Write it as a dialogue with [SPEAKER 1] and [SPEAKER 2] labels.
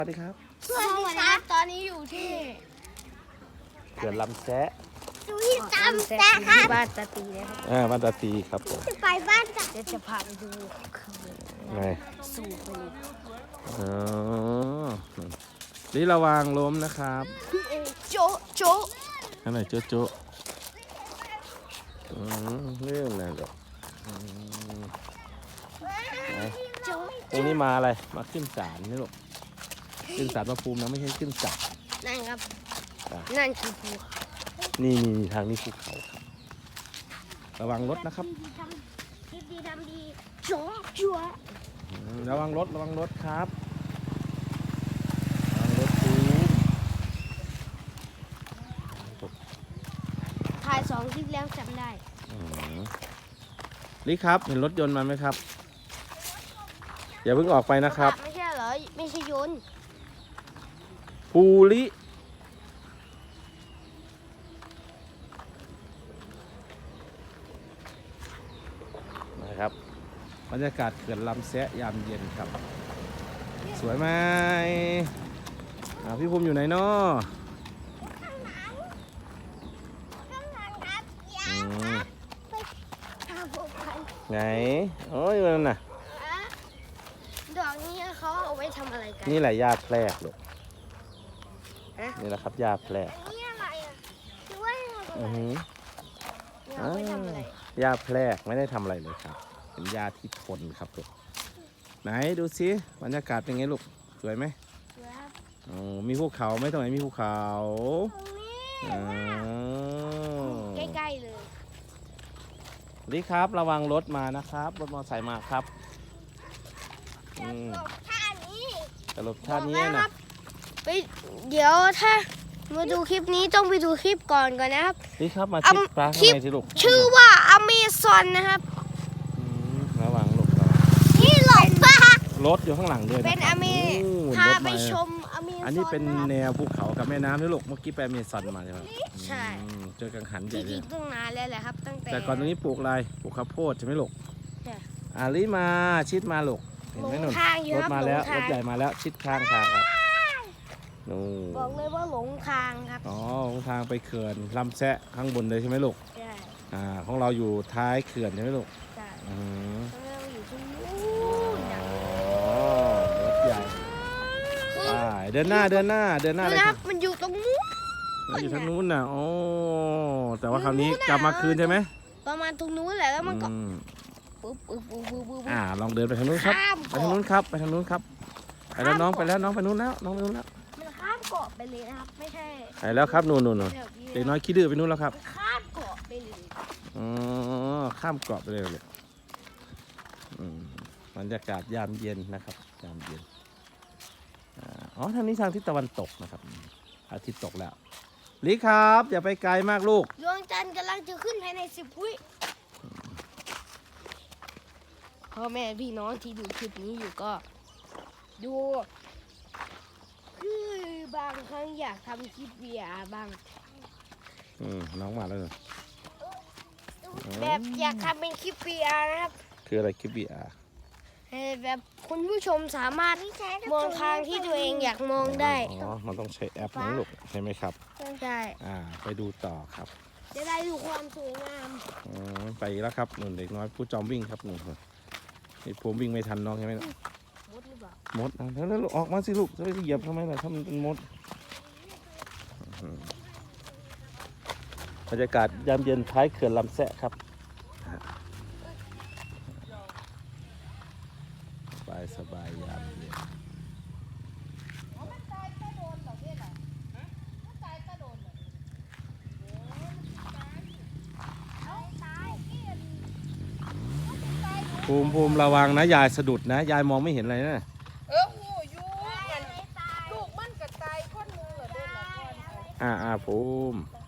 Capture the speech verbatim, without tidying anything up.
[SPEAKER 1] สวัสดีครับ
[SPEAKER 2] สวัสดีครับตอนนี้อยู่ที่
[SPEAKER 1] เขื่อนลำแซะ
[SPEAKER 2] อยู่ที่ตามแซะครับบ้านตาตีนะครับ
[SPEAKER 1] อ่าบ้านตาตีครับผม
[SPEAKER 2] จะไปบ้านตาเดี๋ยวจะพาไปดูเขื่อน
[SPEAKER 1] ไง
[SPEAKER 2] สูบบุหรี่
[SPEAKER 1] อ๋อนี่ระวังล้มนะครับ
[SPEAKER 2] โจ๊ะโจ๊ะ
[SPEAKER 1] อันไหนโจ๊ะโจ๊ะอืมเรื่องอะไรหรอกตรงนี้มาอะไรมาขึ้นศาลนี่หรอกขึ้นศาลพระภูมินะไม่ใช่ขึ้นศาล
[SPEAKER 2] นั่นครับนั่นคือภูเขา
[SPEAKER 1] นี่นี่ทางนี้ภูเขาครับระวังรถนะครับ
[SPEAKER 2] คิดดีทำดีโจ๊ะจั๊ว
[SPEAKER 1] ระวังรถระวังรถครับระวังรถภู
[SPEAKER 2] ถ่ายสองคลิปแล้วจำได้
[SPEAKER 1] ลิครับเห็นรถยนต์มาไหมครับอย่าเพิ่งออกไปนะครับ
[SPEAKER 2] ไม่ใช่เหรอไม่ใช่ยนต์
[SPEAKER 1] ภูรินะครับบรรยากาศเขื่อนลำแซะยามเย็นครับสวยไหมพี่ภูมิอยู่ไหนเนาะไงโอ้ยมันน่ะ
[SPEAKER 2] ดอกนี้เขาเอาไว้ทำอะไรกัน
[SPEAKER 1] นี่แหละหญ้าแพรกลูกนี่แหละครับหญ้าแพรก
[SPEAKER 2] นี่อะไรอ่ะคือว่า
[SPEAKER 1] อือหือ
[SPEAKER 2] เอาไว้ทำอะไร
[SPEAKER 1] หญ้าแพรกไม่ได้ทำอะไรเลยครับเป็นหญ้าที่ทนครับลูกไหนดูสิบรรยากาศเป็นไงลูกสวยไหมโอ้มีภูเขาไหมตรงไหนมีภูเขา
[SPEAKER 2] ใกล้ๆเลย
[SPEAKER 1] นี่ครับระวังรถมานะครับรถมอเตอร์ไซค์มาครับ
[SPEAKER 2] จะหลบท่านี้
[SPEAKER 1] จะหลบท่านี้นะ
[SPEAKER 2] ไปเดี๋ยวถ้ามาดูคลิปนี้ต้องไปดูคลิปก่อนก่อนนะครับ
[SPEAKER 1] นี่ครับมาชิดปลาข้างในสิลูก
[SPEAKER 2] ชื่อว่าอเมซอนนะครับ
[SPEAKER 1] ระวังลูก
[SPEAKER 2] นี่หลบปะ
[SPEAKER 1] รถอยู่ข้างหลังด้วย
[SPEAKER 2] เป็นอเมพาไปชมอเมซอน
[SPEAKER 1] อันนี้เป็นแนวภูเขากับแม่น้ำนี่ลูกเมื่อกี้ไปอเมซอนมาใช่ไหม
[SPEAKER 2] ใช่
[SPEAKER 1] เจอกังหันใหญ่เลย
[SPEAKER 2] ตั้งนานแล้วแหละครับตั้งแต่
[SPEAKER 1] แต่ก่อนตรงนี้ปลูกอะไรปลูกข้าวโพดใช่ไหมลูก
[SPEAKER 2] ใช่
[SPEAKER 1] อาลีมาชิดมาลูกเห็นไหมหนุ่มรถมาแล้วรถใหญ่มาแล้วชิดข้างทางครับนู่
[SPEAKER 2] บอกเลยว่าหลงทางครับ
[SPEAKER 1] อ๋อหลงทางไปเขื่อนลำแซะข้างบนเลยใช่ไหมลูก
[SPEAKER 2] ใช่
[SPEAKER 1] อ่าของเราอยู่ท้ายเขื่อนใช่ไหมลูก
[SPEAKER 2] ใช่
[SPEAKER 1] อืม
[SPEAKER 2] เราอยู่ที่นู่น
[SPEAKER 1] อ๋อรถใหญ่อ่าเดินหน้าเดินหน้าเดินหน้าเลยครับ
[SPEAKER 2] มันอยู่ตรงนู้น
[SPEAKER 1] อยู่ทางนู้นน่ะโอ้แต่ว่าคราวนี้กลับมาคืนใช่ไหม
[SPEAKER 2] ประมาณตรงนู้นแหละแล้วมันก็ปุ๊บปุ๊บปุ๊บปุ๊บ
[SPEAKER 1] อ่าลองเดินไปทางนู้นครับไปทางนู้นครับไปทางนู้นครับไปแล้วน้องไปแล้วน้องไปนู้นแล้วน้องไปนู้นแล้ว
[SPEAKER 2] มันข้ามเกาะไปเลยนะครับไม่ใช่
[SPEAKER 1] ไปแล้วครับนู่นนู่นนู่นเด็กน้อยขี้ดื้อไปนู้นแล้วครับ
[SPEAKER 2] ข้ามเกาะไปเลย
[SPEAKER 1] อ๋อข้ามเกาะไปเลยเลยบรรยากาศยามเย็นนะครับยามเย็นอ๋อทางนี้ทางทิศตะวันตกนะครับอาทิตย์ตกแล้วลิครับอย่าไปไกลมากลูก
[SPEAKER 2] ดวงจันทร์กำลังจะขึ้นภายในสิบวิพ่อแม่พี่น้องที่ดูคลิปนี้อยู่ก็ดูคือบางครั้งอยากทำคลิป วี อาร์ บ้าง
[SPEAKER 1] อืมน้องมาแล้วเหรอ
[SPEAKER 2] แบบอยากทำเป็นคลิป วี อาร์ นะครับ
[SPEAKER 1] คืออะไรคลิป วี อาร์
[SPEAKER 2] แบบคุณผู้ชมสามารถมองทางที่ตัวเองอยากมองได้
[SPEAKER 1] อ๋อมันต้องใช้แอปนะลูกใช่ไหมครับ
[SPEAKER 2] ใช่
[SPEAKER 1] อ่าไปดูต่อครับ
[SPEAKER 2] จะได้ดูความสวยงาม
[SPEAKER 1] อ๋อไปแล้วครับหนุ่มเด็กน้อยผู้จอมวิ่งครับหนุ่มนี่ผมวิ่งไม่ทันน้องใช่ไหมม
[SPEAKER 2] ดหรือเปล่
[SPEAKER 1] ามดแล้วแล้วออกมาสิลูกจะไปเหยียบทำไมล่ะถ้ามันเป็นมดบรรยากาศยามเย็นท้ายเขื่อนลำแซะครับสบายสบายยามเย็นภูมิภูมิระวังนะยายสะดุดนะยายมองไม่เห็นอะไรนะ
[SPEAKER 3] เออหูยูมันลูกมันกระจายคนมือเหรอเดินละคน
[SPEAKER 1] อ่าอ่าภูมิ